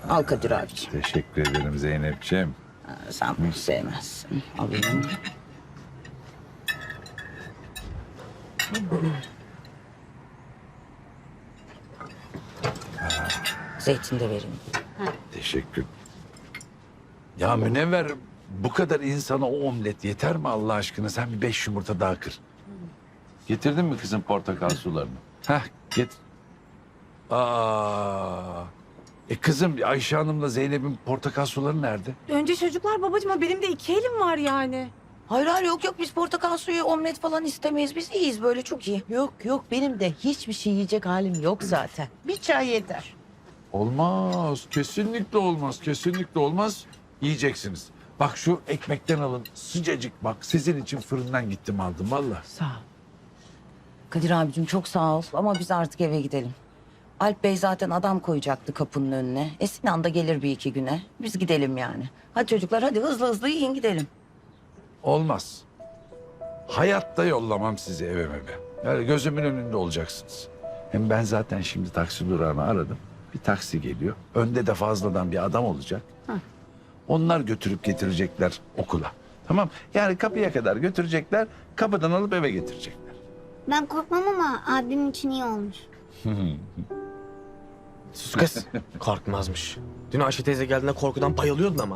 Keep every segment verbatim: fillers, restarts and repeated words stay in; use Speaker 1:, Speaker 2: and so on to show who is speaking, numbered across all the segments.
Speaker 1: Al Kadir abiciğim.
Speaker 2: Teşekkür ederim Zeynep'ciğim.
Speaker 1: Ha, sen bunu sevmezsin. Alayım. Zeytin de vereyim.
Speaker 2: Teşekkür. Ya Münevver, bu kadar insana o omlet yeter mi Allah aşkına? Sen bir beş yumurta daha kır. Getirdin mi kızım portakal sularını? Heh, get. Aa. E kızım Ayşe Hanım'la Zeynep'in portakal suları nerede?
Speaker 3: Önce çocuklar babacığım ama benim de iki elim var yani.
Speaker 1: Hayır hayır yok yok biz portakal suyu omlet falan istemeyiz. Biz iyiyiz böyle çok iyi.
Speaker 4: Yok yok benim de hiçbir şey yiyecek halim yok zaten. Bir çay yeter.
Speaker 2: Olmaz. Kesinlikle olmaz. Kesinlikle olmaz. Yiyeceksiniz. Bak şu ekmekten alın. Sıcacık bak. Sizin için fırından gittim aldım valla.
Speaker 4: Sağ ol.
Speaker 1: Kadir abicim çok sağ ol ama biz artık eve gidelim. Alp Bey zaten adam koyacaktı kapının önüne. E Sinan da gelir bir iki güne. Biz gidelim yani. Hadi çocuklar hadi hızlı hızlı yiyin gidelim.
Speaker 2: Olmaz. Hayatta yollamam sizi eve meve. Yani gözümün önünde olacaksınız. Hem ben zaten şimdi taksi durağını aradım. Bir taksi geliyor. Önde de fazladan bir adam olacak. Onlar götürüp getirecekler okula. Tamam. Yani kapıya kadar götürecekler. Kapıdan alıp eve getirecekler.
Speaker 5: Ben korkmam ama abim için iyi olmuş.
Speaker 6: Sus kız. Korkmazmış. Dün Ayşe teyze geldiğinde korkudan bayılıyordun ama.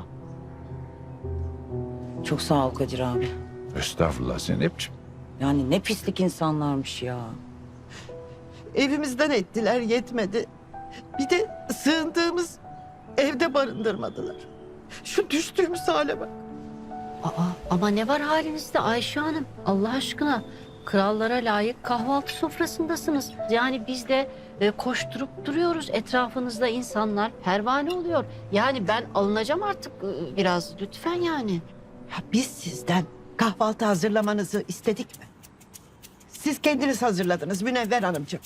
Speaker 1: Çok sağ ol Kadir abi.
Speaker 2: Estağfurullah Zeynep'ciğim.
Speaker 1: Yani ne pislik insanlarmış ya.
Speaker 4: Evimizden ettiler yetmedi. Bir de sığındığımız evde barındırmadılar. Şu düştüğümüz hale bak.
Speaker 7: Aa, ama ne var halinizde Ayşe Hanım? Allah aşkına krallara layık kahvaltı sofrasındasınız. Yani biz de e, koşturup duruyoruz. Etrafınızda insanlar pervane oluyor. Yani ben alınacağım artık e, biraz lütfen yani.
Speaker 4: Ya biz sizden kahvaltı hazırlamanızı istedik mi? Siz kendiniz hazırladınız Münevver Hanımcığım.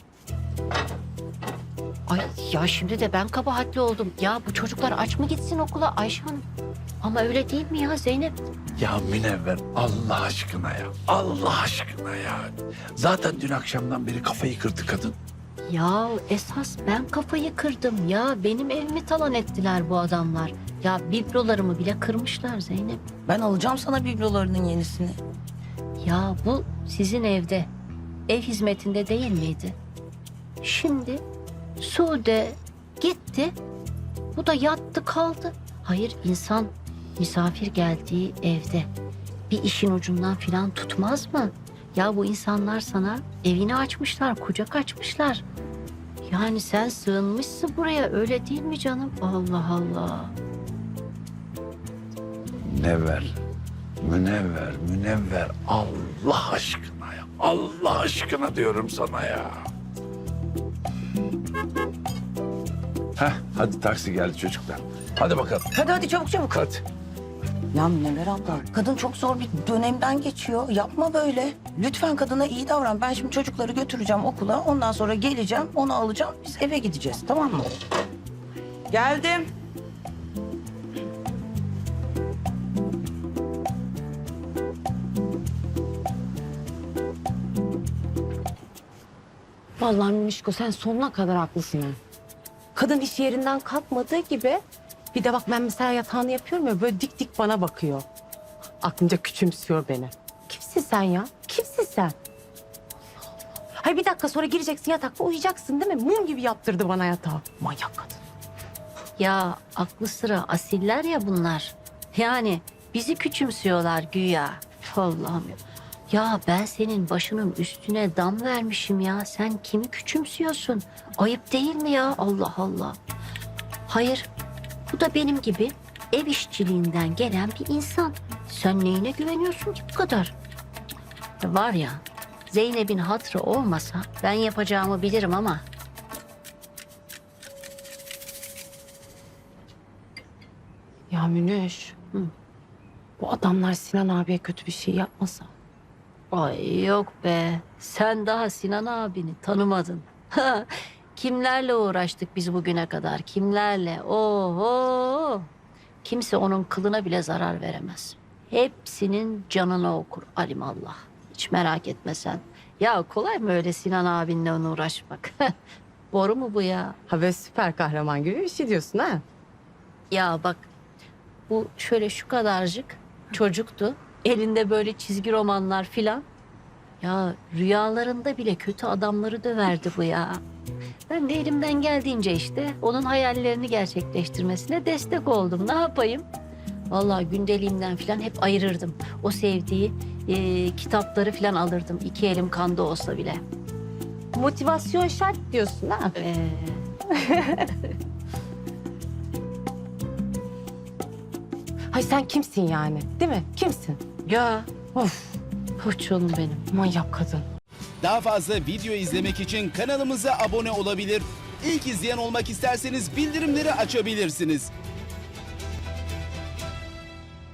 Speaker 7: Ay ya şimdi de ben kabahatli oldum. Ya bu çocuklar aç mı gitsin okula Ayşe Hanım? Ama öyle değil mi ya Zeynep?
Speaker 2: Ya Münevver Allah aşkına ya. Allah aşkına ya. Zaten dün akşamdan beri kafayı kırdı kadın.
Speaker 7: Ya esas ben kafayı kırdım ya. Benim evimi talan ettiler bu adamlar. Ya biblolarımı bile kırmışlar Zeynep.
Speaker 1: Ben alacağım sana biblolarının yenisini.
Speaker 7: Ya bu sizin evde, ev hizmetinde değil miydi? Şimdi Sude gitti, bu da yattı kaldı. Hayır insan misafir geldiği evde bir işin ucundan filan tutmaz mı? Ya bu insanlar sana evini açmışlar, kucak açmışlar. Yani sen sığınmışsın buraya öyle değil mi canım? Allah Allah.
Speaker 2: Münevver. Münevver, Münevver. Allah aşkına ya. Allah aşkına diyorum sana ya. Heh, hadi taksi geldi çocuklar. Hadi bakalım.
Speaker 1: Hadi hadi çabuk çabuk.
Speaker 2: Hadi.
Speaker 1: Ya Münevver abla kadın çok zor bir dönemden geçiyor. Yapma böyle. Lütfen kadına iyi davran. Ben şimdi çocukları götüreceğim okula. Ondan sonra geleceğim onu alacağım. Biz eve gideceğiz tamam mı? Geldim.
Speaker 3: Vallahi Mişko sen sonuna kadar haklısın ha. Kadın iş yerinden kalkmadığı gibi bir de bak ben mesela yatağını yapıyorum ya böyle dik dik bana bakıyor. Aklınca küçümsüyor beni. Kimsin sen ya? Kimsin sen? Hayır bir dakika sonra gireceksin yatakta uyuyacaksın değil mi? Mum gibi yaptırdı bana yatağı. Manyak kadın.
Speaker 7: Ya aklı sıra asiller ya bunlar. Yani bizi küçümsüyorlar güya. Allah'ım ya. Ya ben senin başının üstüne dam vermişim ya. Sen kimi küçümsüyorsun? Ayıp değil mi ya? Allah Allah. Hayır, bu da benim gibi ev işçiliğinden gelen bir insan. Sen neyine güveniyorsun ki bu kadar? Ya var ya, Zeynep'in hatırı olmasa ben yapacağımı bilirim ama...
Speaker 3: Ya Münüş. Hı. Bu adamlar Sinan abiye kötü bir şey yapmasa.
Speaker 7: Ay yok be. Sen daha Sinan abini tanımadın. Kimlerle uğraştık biz bugüne kadar? Kimlerle? Oho! Kimse onun kılına bile zarar veremez. Hepsinin canını okur alimallah. Hiç merak etme sen. Ya kolay mı öyle Sinan abinle onu uğraşmak? Boru mu bu ya?
Speaker 3: Ha böyle süper kahraman gibi bir şey diyorsun ha?
Speaker 7: Ya bak bu şöyle şu kadarcık çocuktu. Elinde böyle çizgi romanlar filan. Ya rüyalarında bile kötü adamları döverdi bu ya. Ben de elimden geldiğince işte onun hayallerini gerçekleştirmesine destek oldum. Ne yapayım? Vallahi gündeliğimden filan hep ayırırdım. O sevdiği e, kitapları filan alırdım. İki elim kanda olsa bile.
Speaker 3: Motivasyon şart diyorsun ha.
Speaker 7: Ee,
Speaker 3: Hay sen kimsin yani? Değil mi? Kimsin?
Speaker 7: ya
Speaker 3: Of,
Speaker 7: koçum benim.
Speaker 3: manyak kadın.
Speaker 8: Daha fazla video izlemek için kanalımıza abone olabilir. İlk izleyen olmak isterseniz bildirimleri açabilirsiniz.